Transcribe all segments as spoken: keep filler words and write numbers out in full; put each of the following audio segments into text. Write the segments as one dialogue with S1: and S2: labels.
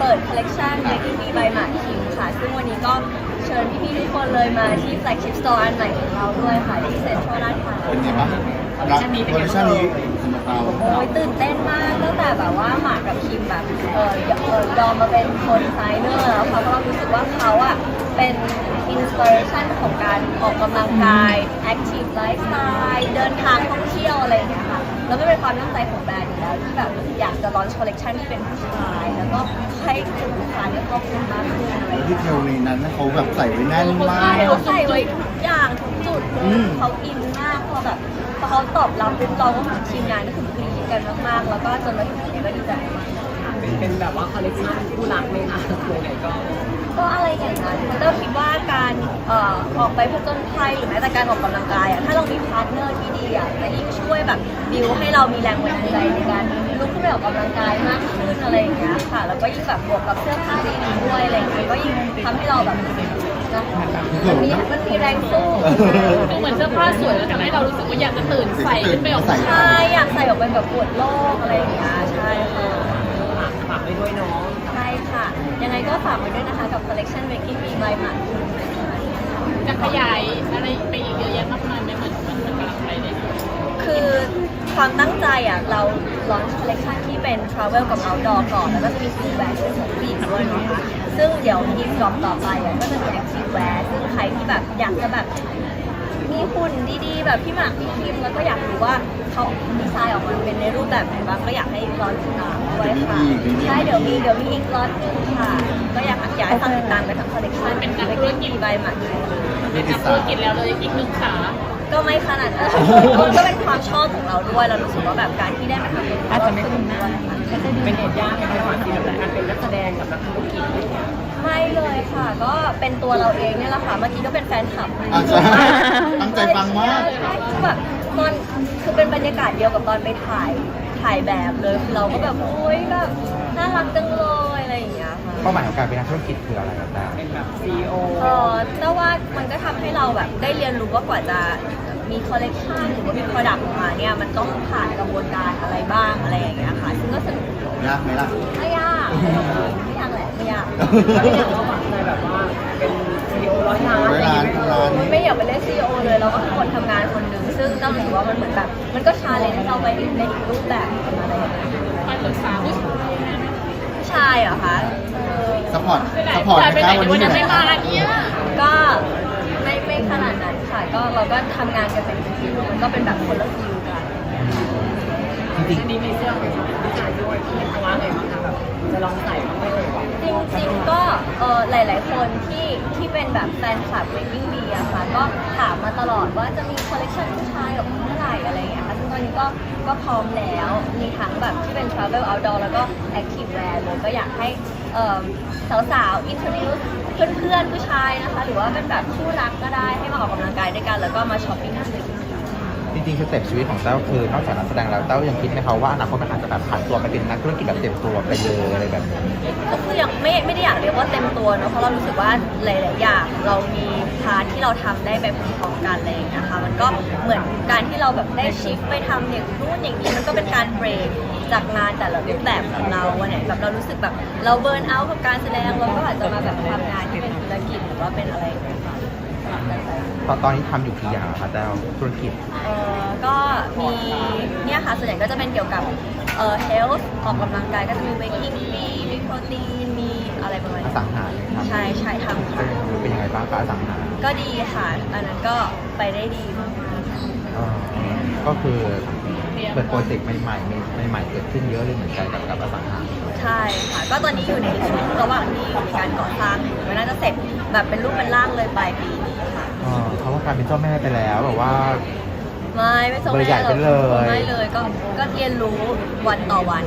S1: เปิดคอลเลกชัน Making Me by หมากคิมค่ะซึ่งวันนี้ก็เชิญพี่ๆทุกคนเลยมาที่ flagship store อันใหม่ของเราด้วยค่ะที่เซ็นทรัลลาดพร้าว
S2: เป็นไงบ้างคอลเลคชันนี้คอลเลคชันนี้สำหรับเรา
S1: โอ้ยตื่นเต้นมากตั้งแต่แบบว่าหมากกับคิมแบบเออเออยอมมาเป็นคนดีไซเนอร์แล้วเขาก็รู้สึกว่าเขาอ่ะเป็นอินสปิเรชันของการออกกำลังกายแอคทีฟไลฟ์สไตล์เดินทางท่องเที่ยวอะไรอย่างเงี้ยค่ะแล้วก็เป็นความตั้งใจของแบรนด์อยู่แล้วที่แบบอยากจะลอนช์คอลเลคชันที่เป็นผู้ชายแล้วก็ให้กลุ่มลูกค้าได้ครอบคลุมมากขึ้นอะไรอย่าง
S2: ดี
S1: เงี้ย
S2: เทลในนั้นเขาแบบใส่ไว้แน่นมาก
S1: ใช่เขาใส่ไว้ทุกอย่างทุกจุดเลยเขาอินมากพอแบบพอเขาตอบรับปุ๊บเราก็ทีมงานก็คือกรี๊ดกันมากๆแล้วก็จนมาถึงวันนี้ก็ดีใจมาก
S3: เป็นแบบว่าคอลเลคชันคู่รักไหมคะตัวไหนก็
S1: ก็อะไรอย่างนั้นมันก็คิดว่าการเอ่อออกไปผจญภัยหรือแม้แต่การออกกำลังกายอ่ะถ้าเรามีพาร์ทเนอร์ที่ดีอ่ะจะยิ่งช่วยแบบบิวให้เรามีแรงบันดาลใจในการลุกขึ้นไปออกกำลังกายมากขึ้นอะไรอย่างเงี้ยค่ะแล้วก็ยิ่งแบบบวกกับเสื้อผ้าดีๆด้วยอะไรอย่างเงี้ยก็ยิ่งทำให้เราแบบนะมันมีมันมีแรงสู้
S4: คือเหมือนเสื้อผ้าสวยแล้วทำให้เรารู้สึกว่าอยากจะตื่นใส่ขึ้นไปออกมา
S1: ใช่อยากใส่ออกไปแบบปวดโลกอะไรอย่างเงี้ยใช่ค่ะ
S3: ฝากไว้ด้วยเนาะ
S1: ใช่ค่ะยังไงก็ฝากไว้ด้วยนะคะกับ collection Making Me by หมากคิมนะคะ
S4: จะขยายอะไรไปอีกเยอะแยะมากมายไม่เหมือนมันมันกำลังไปเนี่ย
S1: คือความตั้งใจอ่ะเราลอนช์คอลเลคชันที่เป็น travel กับ outdoor ก่อนแล้วก็จะมี full wear ที่เป็นของผู้หญิงด้วยเนาะคะซึ่งเดี๋ยวอีกรอบต่อไปอ่ะก็จะมี active wear ซึ่งใครที่แบบอยากจะแบบมีหุ่นดีๆ แบบพี่หมากพี่คิมแล้วก็อยากรู้ว่าเขาดีไซน์ออกมาเป็นในรูปแบบไหนบ้างก็อยากให้รอติดตามด้วยค่ะใช่เดี๋ยวมีเดี๋ยวมีอีกล็อตหนึงค่ะ ก็อยากอยากให้ฟังติดตามกันทั้งคอลเลคชันเป็นการธุรกิจใบหมากคิม
S4: เป็นจากธุรกิจแล้วเลยอีกหนึ่งขา
S1: ก็ไม่ขนาดนั้น ก็เป็นความชอบของเราด้วยเรารู้สึกว่าแบบการที่ได้มาทำเป็นอาจจะไม่คุ้นด้วย
S3: เป็นเหตุยากไหมคะความที่แบบการเป็นนักแสดงกับนักธุรกิจอะไรเงี้ย
S1: ไม่เลยค่ะ ก็เป็นตัวเราเองเนี่ยแหละค่ะ เมื่อกี้ก็เป็นแฟนคลับ
S2: อาจจะตั้งใจฟังมาก
S1: ใช่คือแบบตอนคือเป็นบรรยากาศเดียวกับตอนไปถ่ายถ่ายแบบเลยคือเราก็แบบโอ๊ยแบบน่ารักจังเลยอะไรอย่างเงี้ยค่ะ
S5: เป้าหมายของการเป็นนักธุรกิจคืออะไรครับดาว
S3: เป็นแบบซีอีโอ
S1: เออแต่ว่ามันก็ทำให้เราแบบได้เรียนรู้ว่ากว่าจะมีคอลเลกชันหรือว่ามีโปรดักต์ออกมาเนี่ยมันต้องผ่านกระบวนการอะไรบ้างอะไรอย่างเงี้ยค่ะซึ่งก็สนุก
S2: ยากไหมล่ะ
S1: ไม่ยากไม่ยากแหละไม่ยาก
S3: แล้วอย่างเราฝังใจแบบว่าเป็นซีอีโอร้อยล้าน
S2: ร้อยล้านร้านนี้
S1: ไม่อยากไปเล่นซีอีโอเลยเราก็คือคนทำงานคนหนึ่งซึ่งเรารู้สึกว่ามันเหมือนแบบมันก็ชาเลนจ์เราไปในอีกรูปแบบหนึ่งอะไรอย่างเงี้ย
S4: ไปปรึกษาผู้ชายนะ
S1: ผู้ชายเหรอคะเออ
S2: ซัพพอร์ต
S4: ไปไหน
S2: ซัพพอร์ต
S4: ไปไหน
S2: นะครับ
S4: วั
S2: วัน น
S4: นี้
S2: นี้
S4: ไม่มาเนี่ย
S1: ก็ไม่ไม่ขนาดนั้นค่ะก็เราก็ทำงานกันเป็นทีมมันก็เป็นแบบคนละฟิลกัน
S5: จริง
S3: อันนี้มีเสื้อเป็นผู้ชายด้วยที่เขาว่าไงบ้างคะแบบจะลองใส่บ้างไหมเลยว่า
S1: จริงๆก็เออหลาย ๆ คนที่ที่เป็นแบบแฟนคลับ Making Me อะค่ะก็ถามมาตลอดว่าจะมีคอลเลคชันผู้ชายออกมาเมื่อไหร่อะไรอย่างเงี้ยค่ะซึ่งตอนนี้ก็ก็พร้อมแล้วมีทั้งแบบที่เป็น Travel Outdoor แล้วก็ Active Wear เลยก็อยากให้เอ่อสาวๆ introduce เพื่อนๆ ผู้ชายนะคะ หรือว่าเป็นแบบคู่รักก็ได้ให้มาออกกำลังกายด้วยกันแล้วก็มาช้อปปิ้งที่ Making Me
S5: ๆจริงๆสเต็ปชีวิตของเต้าคือนอกจากนักแสดงแล้วเต้ายังคิดไหมคะว่าอนาคตมันอาจจะแบบผ่านตัวไปเป็นนักธุรกิจแบบเต็มตัวไปเลยอะไรแบบนี้
S1: ก็คือยังไม่ไม่ได้อยากเรียกว่าเต็มตัวเนอะเพราะเรารู้สึกว่าหลาย ๆ อย่างเรามีพาร์ทที่เราทำได้ไปพร้อมๆกันอะไรอย่างเลยนะคะมันก็เหมือนการที่เราแบบได้ชิฟไปทำอย่างนู้นอย่างนี้มันก็เป็นการเบรกจากงานแต่ละรูปแบบของเราวันไหนแบบเรารู้สึกแบบเราเบิร์นเอาท์กับการแสดงเราก็อาจจะมาแบบทำงานที่เป็นธุรกิจหรือว่าเป็นอะไรอย่างเงี้ยค่ะ
S5: ตอนตอนนี้ทำอยู่กี่อย่างคะเต้าธุรกิจ
S1: เอ่อก็มีเนี่ยค่ะส่วนใหญ่ก็จะเป็นเกี่ยวกับเอ่อ health ออกกำลังกายก็จะมี waking มีมีโปรตีนมีอะไรประมาณ
S5: อ
S1: นี้
S5: สังหาเลยครับ
S1: ใช่ใช่ทำค่ะ
S5: เป็นยังไงบ้างคะอสังหา
S1: ก็ดีค่ะ อันนั้นก็ไปได้ดีมาก
S5: เอ่อก็คือเปิดโปรเจกต์ใหม่ๆใหม่ๆเกิดขึ้นเยอะเลยเหมือนกันกับกับอสังหา
S1: ใช่ค่ะ ก็ตอนนี้อยู่ในช่วงระหว่างที่อยู่ในการก่อสร้างอยู่ก็น่าจะเสร็จแบบเป็นรูปเป็นร่างเลยปลายปีนี้ค่ะ
S5: เอ่อเขาว่ากลายเป็นเจ้าแม่ไปแล้วแบบว่า
S1: ไม่ไม่ส่ง
S5: เบอร์ใหญ่
S1: แม่หรอก
S5: ไปเลย
S1: ไม่เลยก็ก็เรียนรู้วันต่อวัน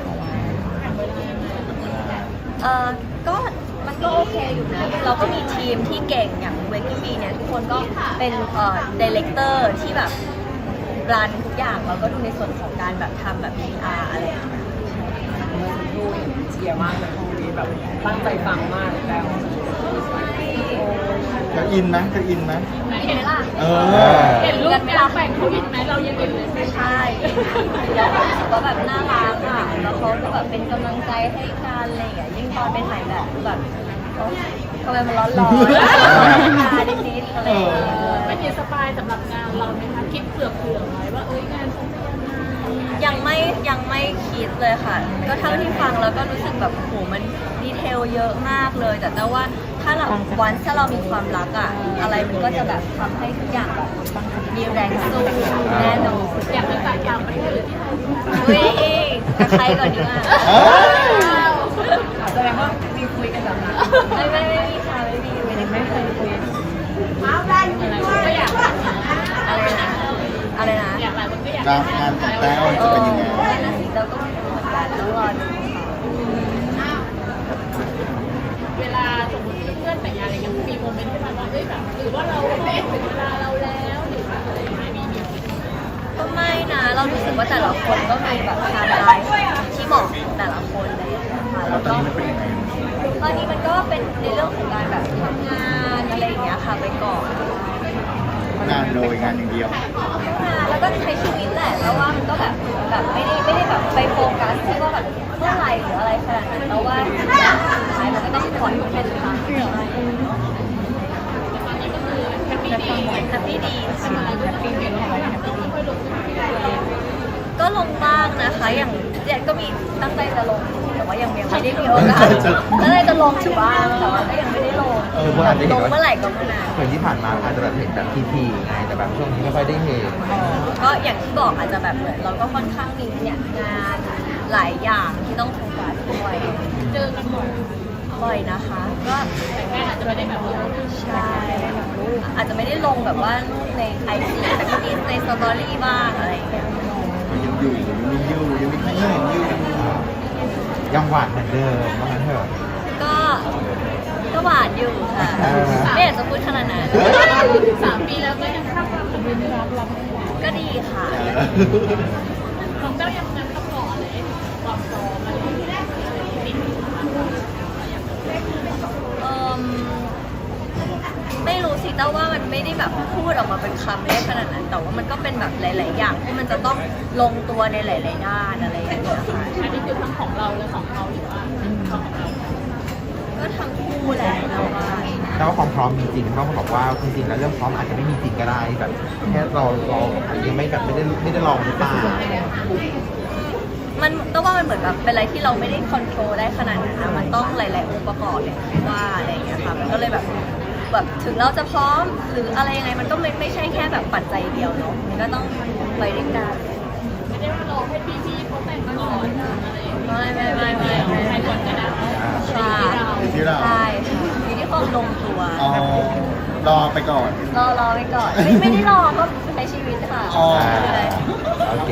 S1: เออก็มันก็โอเคอยู่นะ เราก็มีทีมที่เก่งอย่างเวกี้บีเนี่ยทุกคนก็เป็นเอ่อดีเลกเตอร์ที่แบบรันทุกอย่างเราก็ดูในส่วนของการแบบทำแบบ พี อาร์ อะไรอย่างเงี้ย
S3: ดูเชียร์มากเลยคู่นี้แบบตั้งใจฟังมากแล้ว
S2: จะอินไหมจะอินไหม
S4: ไหน
S1: เห็นไหมล่ะ
S2: เออ
S4: เห็นรูปการแต่งเขาอินไหมเรายังอินเลย
S1: ใช่แล้วก็รู้สึกว่าแบบน่ารักอ่ะแล้วเขาก็แบบเป็นกำลังใจให้กันอะไรอย่างเงี้ยยิ่งตอนไปถ่ายแบบคือแบบโอ๊ยทำไมมันร้อนร้อนตาดิดๆอะไรอย่างเงี้ย
S4: ไม่มีสปายสำหรับงานเราไหมคะคิดเผื่อเผื่อๆไว้ว่าเอ้ยงานฉันจะยังไง
S1: ยังไม่ยังไม่คิดเลยค่ะ ก็เท่าที่ฟังแล้วก็รู้สึกแบบโหมันดีเทลเยอะมากเลย แต่แต่ว่าถ้าเราวันถ้าเรามีความรักอะอะไรมันก็จะแบบทำให้ทุกอย่างแบบมีแรงสู้แน่นอน
S4: อยากไปต่างต่างประเทศหรือที่ไทยดีคะ
S1: อุ้ยกับใครก่อนดีอ่ะ
S3: แสดงว่ามีคุยกันแบบนั้น
S1: ไม่ไม่ไม่มีค่ะไม่มีไม่ได้ไม่เคยคุย
S4: อะไรก็อยาก
S1: อะไรนะอะไรนะ
S4: อยากหลายคนก็อยาก
S2: รับงานของแต้วจะเป็นยังไง
S1: นั่นน่ะสิเราก็ไม่รู้เหมือนกันต้องรอดูค่ะ
S4: เวลาสมมติเพื่อนแต่งงานอะไรเงี้ยมีโมเมนต์ที่มันว่าเอ้ยแบบหรือว่าเราถึงเวลาเราแล้วหรือว่าอะไรไม่มีมี
S1: ก็ไม่นะเรารู้สึกว่าแต่ละคนก็มีแบบไทม์ไลน์ที่เหมาะของแต่ละคนเลยค่ะ
S2: แล้
S1: แล้ว ว
S2: ตอน
S1: ก็
S2: นี้มันเป็นยังไง
S1: ตอนนี้มันก็เป็นในเรื่องของการแบบทำงานอะไรอย่างเงี้ยค่ะไปก่อน
S2: งานโดยงานอย่างเดียว
S1: งานแล้วก็ใช้ชีวิตแหละแล้วว่ามันก็แบบแบบไม่ได้ไม่ได้แบบไปโฟกัสที่ว่าแบบเมื่อไหร่หรืออะไรขนาดนั้นแล้วว่าสุดท้ายมันก็ต้องปล่อยมันเป็นทางไป
S4: ตอนนี้ก็คือแฮปปี้ดี
S1: แฮปปี้ดี
S4: ทำอะไรก็แฮปปี้ดีแฮปปี้ดีไม่ค่อยลงทุนอะไร
S1: ก็ลงบ้างนะคะอย่างเนี่ยก็มีตั้งใจจะลงแต่ว่ายังยังไม่ได้มีโอกาสตั้งใจจะลงอยู่บ้างแต่ว่าก็ยังไม่ได้ลง
S5: คือพวกเราจะเห็
S1: ล
S5: น
S1: ง
S5: ว่า
S1: เมื่อไหร่ก็เมื่อนั้น
S5: เหมือนที่ผ่านมาอาจจะแบบเห็นแบบทีๆไงแต่แบบช่วงนี้ไม่ค่อยได้เห็น
S1: ก็อย่างที่บอกอาจจะแบบเหมือนเราก็ค่อนข้างมีเนี่ยงานหลายอย่างที่ต้องโฟกัสด้วย
S4: เจอกันบ่อย
S1: บ่อยนะคะ ก็
S4: แต่แค่อาจจะไม่ได้แบบลง
S1: ใช่อาจจะไม่ได้ลงแบบว่ารูปในไอจีแต่ก็มีในสตอรี่บ้างอะไรอย่างเงี้ย
S2: ยังอยู่ยังมีอยู่ยังมีใครเห็นอยู่
S5: ยังหวานเหมือนเดิมว่างั้นเถอะ
S1: ก็ก็หวานอยู่ค่ะ
S5: เออ
S1: ไม่อยากจะพูดขนาดนั้น
S4: สามปีแล้วก็ยังสร้างความสัมพันธ์รักเรา
S1: ก็ดีค่ะ
S4: ของเจ้ายังนั้นต้องรออะไรความพร้อมอะไรติด
S1: เอมไม่รู้สิแต่ว่ามันไม่ได้แบบพูดออกมาเป็นคำได้ขนาดนั้น แต่ว่ามันก็เป็นแบบหลาย ๆ อย่างที่มันจะต้องลงตัวในหลาย ๆ ด้านอะไรอย่างเงี้ยค่ะ
S4: อันนี้คือทั้งของเราและของเขาหรือว่าของเรา
S1: ก็ทั้งคู่แหละเราว่า
S5: แต่ว่าความพร้อมจริงๆต้องบอกว่าจริงๆแล้วเรื่องพร้อมอาจจะไม่มีจริงก็ได้แบบแค่เราเรายังไม่แบบไม่ได้ไม่ได้ลองหรือเปล่า
S1: มันต้องว่ามันเหมือนแบบเป็นอะไรที่เราไม่ได้คอนโทรลได้ขนาดนั้นนะมันต้องหลาย ๆ องค์ประกอบอย่างที่ว่าอะไรอย่างเงี้ยค่ะมันก็เลยแบบแบบถึงเราจะพร้อมหรืออะไรยังไงมันก็ไม่ไม่ใช่แค่แบบปัจจัยเดียวเนาะมันก็ต้องไปด้วยกัน
S4: ไม่ได้ว่ารอให้พี่พี่เขาแต่งก่อนอะไรอย่างเงี้ย
S1: ไม่ไม่ไม่ไม่ไม่
S4: ใครก่อนก็ได้
S1: ใช่
S2: อยู่ที่เรา
S1: ใช่อยู่ที่ความลงตัว
S2: อ๋อรอไปก่อน
S1: รอรอไปก่อน ไม่ไม่ได้รอก็ใช้ชีวิตค่ะ
S2: อ๋อ
S1: ใช่